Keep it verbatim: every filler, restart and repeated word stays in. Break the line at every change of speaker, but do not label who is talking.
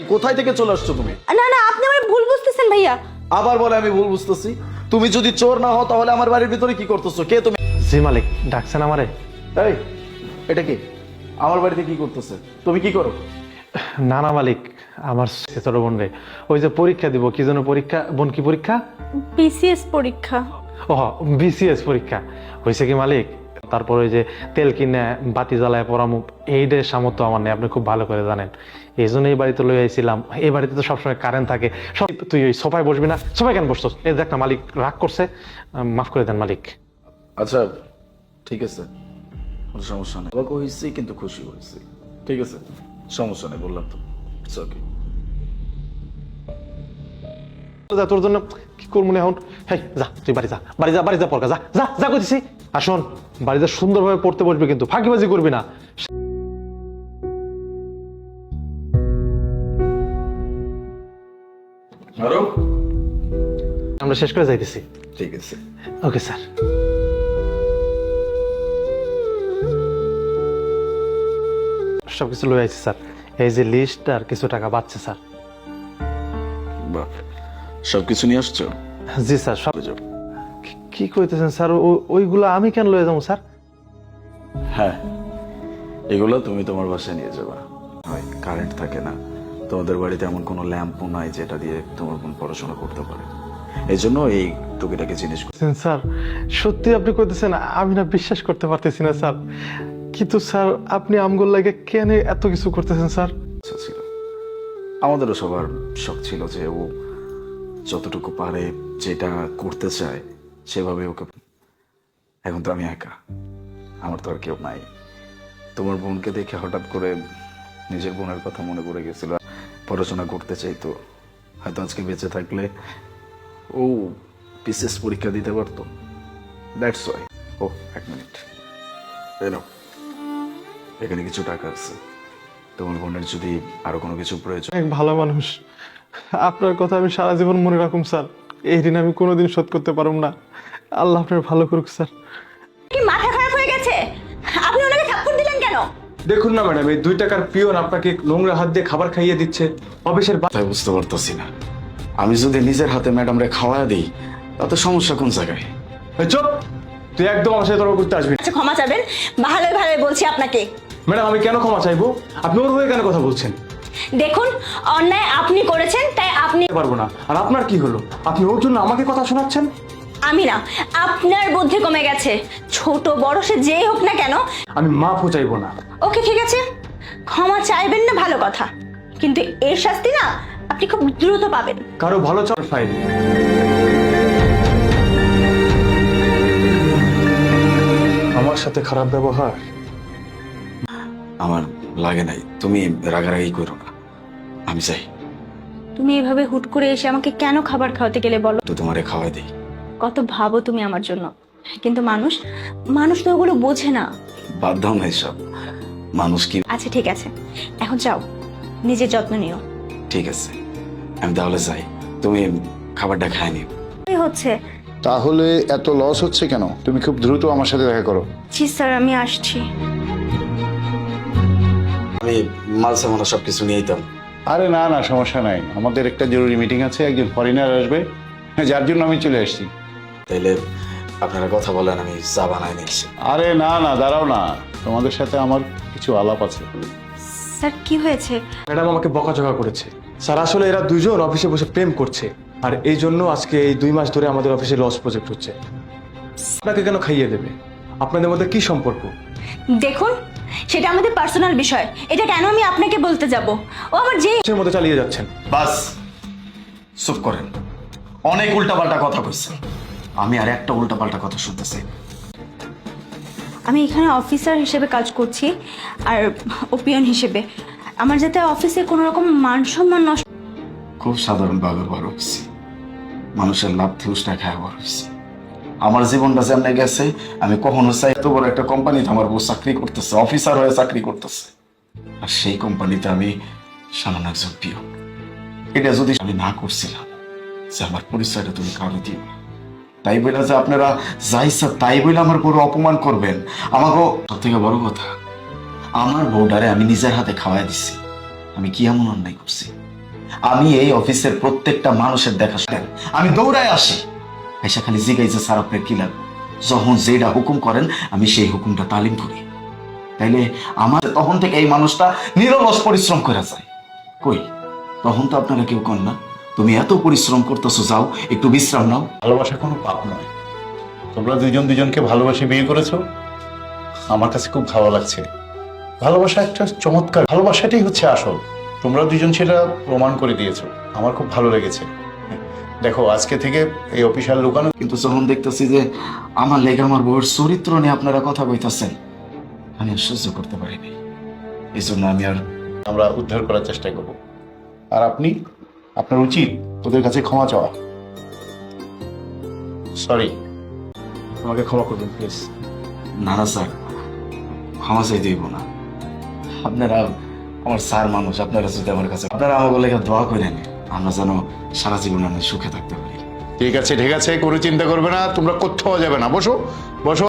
কোথায় থেকে চলে আসছো তুমি?
না না, আপনি আমার ভুল বুঝতেছেন ভাইয়া।
আবার বলে আমি ভুল বুঝতেছি? তুমি যদি চোর না হও তাহলে আমার বাড়ির ভিতরে কি করতেছো? কে তুমি?
জি মালিক, ডাকছেন আমারে?
এই, এটা কি আমার বাড়িতে কি করতেছে? তুমি কি করো?
না না মালিক, আমার ছোট বোন রে ওই যে পরীক্ষা দিব, কি যেন পরীক্ষা, বোন কি পরীক্ষা?
বিসিএস পরীক্ষা।
ও বিসিএস পরীক্ষা হয়েছে কি মালিক? তারপরে ওই যে তেল কিনে বাতি জ্বালায় পরামুখ, এইটার সামর্থ্য আমার নেই, আপনি খুব ভালো করে জানেন। এই জন্য এই বাড়িতে লই আইছিলাম। এই বাড়িতে তো সবসময় কারেন্ট থাকে। সব তুই ওই সোফায় বসবি না? সোফায় কেন বসছস? এই দেখ না মালিক রাগ করছে, মাফ করে দেন মালিক।
আচ্ছা ঠিক আছে, কোনো সমস্যা নেই। অবাক হয়েছি কিন্তু খুশি হয়েছি। ঠিক আছে, সমস্যা নেই, বললাম তো। It's okay.
যা, তোর জন্য কি করবো না এখন? হেই যা, তুই বাড়ি যা, বাড়ি যা, বাড়ি যা, পড়কা যা, যা যা করতেছি। আর শোন, বাড়িতে সুন্দরভাবে পড়তে বসবি কিন্তু ফাঁকিবাজি করবি না।
আরো
আমরা শেষ করে যাইতেছি।
ঠিক আছে।
Okay sir. সবকিছু লয়ে আইছি স্যার। এই যে লিস্ট আর কিছু টাকা বাঁচছে স্যার।
বাহ, সবকিছু নিয়ে আসছো?
জি স্যার, সব। কি- কি কইতেছেন স্যার? ও- ওইগুলো আমি কেন লয়ে যাবো স্যার?
হ্যাঁ, এগুলো তুমি তোমার বাসায় নিয়ে যাবা। হয় কারেন্ট থাকে না, তোমাদের বাড়িতে এমন কোনো ল্যাম্পও নাই যেটা দিয়ে তোমার বোন পড়াশোনা করতে পারে। এই জন্য এই টুকিটাকি জিনিস
স্যার সত্যি আপনি কইতেছেন? আমি না বিশ্বাস করতে পারতেছি না স্যার। কিন্তু স্যার আপনি আমগুল লাগে কেন এত কিছু করতেছেন স্যার?
ছিল। আমাদেরও সবার শখ ছিল যে ও যতটুকু পারে, যেটা করতে চায় সেভাবে ওকে। এখন তো আমি একা, আমার তো আর কেউ নাই। তোমার বোনকে দেখে হঠাৎ করে নিজের বোনের কথা মনে পড়ে গেছিল। পড়াশোনা করতে চাইতো, হয়তো আজকে বেঁচে থাকলে ও বিশেষ পরীক্ষা দিতে পারতো। That's why. ও এক মিনিট, এনো, এখানে কিছু টাকা আছে। তোমার বোনের যদি আরো কোনো কিছু প্রয়োজন।
এক ভালো মানুষ, আপনার কথা আমি সারা জীবন মনে রাখুম স্যার। এই ঋণ আমি কোনোদিন শোধ করতে পারব না। আল্লাহ আপনার ভালো করুক স্যার।
কি মাথা খারাপ হয়ে গেছে? আপনি ওনাকে থাপ্পড় দিলেন কেন?
দেখুন না ম্যাডাম, এই দুই টাকার পিয়ন আপনাকে নোংরা হাত দিয়ে খাবার খাইয়ে দিচ্ছে অফিসের।
তাই বুঝতে পারতেছি না, আমি যদি নিজের হাতে ম্যাডামরে খাওয়া দিই তাতে সমস্যা কোন জায়গায়?
চুপ, তুই একদম আমার সাথে তর্ক করতে আসবি না।
আচ্ছা ক্ষমা চাবেন, ভালোই ভালোই বলছি আপনাকে।
ম্যাডাম আমি কেন ক্ষমা চাইবো? আপনি ওর হয়ে কেন কথা বলছেন?
দেখুন, অন্যায় আপনি করেছেন তাই আপনি।
পারবো না। আর আপনার কি হলো? আপনি ওর জন্য আমাকে কথা শোনাচ্ছেন?
আমি না, আপনার বুদ্ধি কমে গেছে। ছোট বড় সে যেই হোক না কেন।
আমি মাফও চাইবো না।
ওকে ঠিক আছে, ক্ষমা চাইবেন না ভালো কথা, কিন্তু এর শাস্তি না আপনি খুব দ্রুত পাবেন।
কারো ভালো চার ফাইল। আমার সাথে খারাপ ব্যবহার
আমার লাগে নাই, তুমি রাগারাগি করো না, আমি চাই
তুমি এভাবে হুট করে এসে আমাকে কেন খাবার খাওয়াতে গেলে বলো?
তো তোমারে খাওয়াই দিই।
কত ভাবো তুমি আমার জন্য, কিন্তু মানুষ মানুষ তো ওগুলো বোঝে না।
বাদ দাও না এসব, মানুষ কি।
আচ্ছা ঠিক আছে, এখন যাও, নিজের যত্ন নিও।
ঠিক আছে, আমি তাহলে যাই, তুমি খাবারটা খাই নিও।
এই হচ্ছে।
তাহলে এত লস হচ্ছে কেন? তুমি খুব দ্রুত আমার সাথে দেখা করো।
জি স্যার, আমি আসছি।
আমি মাল সামানা সবকিছু নিয়ে যেতাম।
আরে না না, সমস্যা নাই, আমাদের একটা জরুরি মিটিং আছে, একজন ফরেনার আসবে, যার জন্য আমি চলে আসছি।
তাইলে আপনারা কথা বলেন, আমি চা বানাই নিচ্ছি।
আরে না না, দাঁড়াও না, তোমাদের সাথে আমার কিছু আলাপ আছে।
স্যার কি হয়েছে?
ম্যাডাম আমাকে বকাঝকা করেছে। স্যার আসলে এরা দুইজন অফিসে বসে প্রেম করছে, আর এই জন্য আজকে এই দুই মাস ধরে আমাদের অফিসে লস প্রজেক্ট হচ্ছে। আপনাকে কেন খাইয়ে দেবে? আপনাদের মধ্যে কি সম্পর্ক?
দেখুন, সেটা আমাদের পার্সোনাল বিষয়, এটা কেন আমি আপনাকে বলতে যাব? ও আমার যে
এর মধ্যে চালিয়ে যাচ্ছেন।
বাস, চুপ করেন। অনেক উল্টাপাল্টা কথা কইছেন, আমি আর একটা উল্টাপাল্টা কথা শুনতেছি।
আমি এখানে অফিসার হিসেবে কাজ করছি আর ওপিয়ন হিসেবে। আমার যাতে অফিসে কোনো রকম মান সম্মান নষ্ট।
খুব সাধারণ ভাবে বড় হয়েছি, মানুষের লাভ থুসটা খায় বড় হয়েছি। আমার জীবনটা যেমন গেছে, আমি কখনো চাই এত বড় একটা কোম্পানিতে আমার বউ চাকরি করতেছে, অফিসার হয়ে চাকরি করতেছে, আর সেই কোম্পানিতে আমি সামান্য একজন পিয়ন। এটা যদি আমি না করছিলাম যে আমার পরিচয়টা তুমি কারো দিও না, তাই বলে যে আপনারা যাই স্যার তাই বলে আমার বড় অপমান করবেন। আমাকে সব থেকে বড় কথা, আমার বউডারে আমি নিজের হাতে খাওয়াই দিচ্ছি। আমি কি এমন অন্যায় করছি আমি এই অফিসের প্রত্যেকটা মানুষের দেখা শুনেন আমি দৌড়ায় আসি, এসে খালি জিগাইছে স্যার আপনার কি লাগবে। যখন যেটা হুকুম করেন আমি সেই হুকুমটা তালিম করি। তাইলে আমার তখন থেকে এই মানুষটা নিরলস পরিশ্রম করে যায়। কই তখন তো আপনারা কেউ কন না তুমি এত পরিশ্রম করতেছো, যাও একটু বিশ্রাম নাও।
ভালোবাসা কোনো পাপ নয়। তোমরা দুজন দুজনকে ভালোবাসে বিয়ে করেছো, আমার কাছে খুব ভালো লাগছে। ভালোবাসা একটা চমৎকার, ভালোবাসাটাই হচ্ছে আসল। তোমরা দুজন সেটা প্রমাণ করে দিয়েছো, আমার খুব ভালো লেগেছে। দেখো আজকে থেকে এই অফিসার লুকানো,
কিন্তু যখন দেখতেছি যে আমার লেগে আমার বউয়ের চরিত্র নিয়ে আপনারা কথা কইতাছেন, আমি আর সহ্য করতে পারিনি। এই জন্য আমি আর
আমরা উদ্ধার করার চেষ্টা করব। আর আপনি, আপনার উচিত ওদের কাছে ক্ষমা চাওয়া। সরি।
আমাকে ক্ষমা করবেন প্লিজ।
না না স্যার, ক্ষমা চাই দিব না। আপনারা আমার স্যার মানুষ, আপনারা যদি আমার কাছে আপনারা আমাকে লেগে দোয়া করেন, আমরা যেন সারা জীবন আমি সুখে থাকতে পারি।
ঠিক আছে ঠিক আছে, কোনো চিন্তা করবে না, তোমরা কোথাও যাবে না, বসো বসো।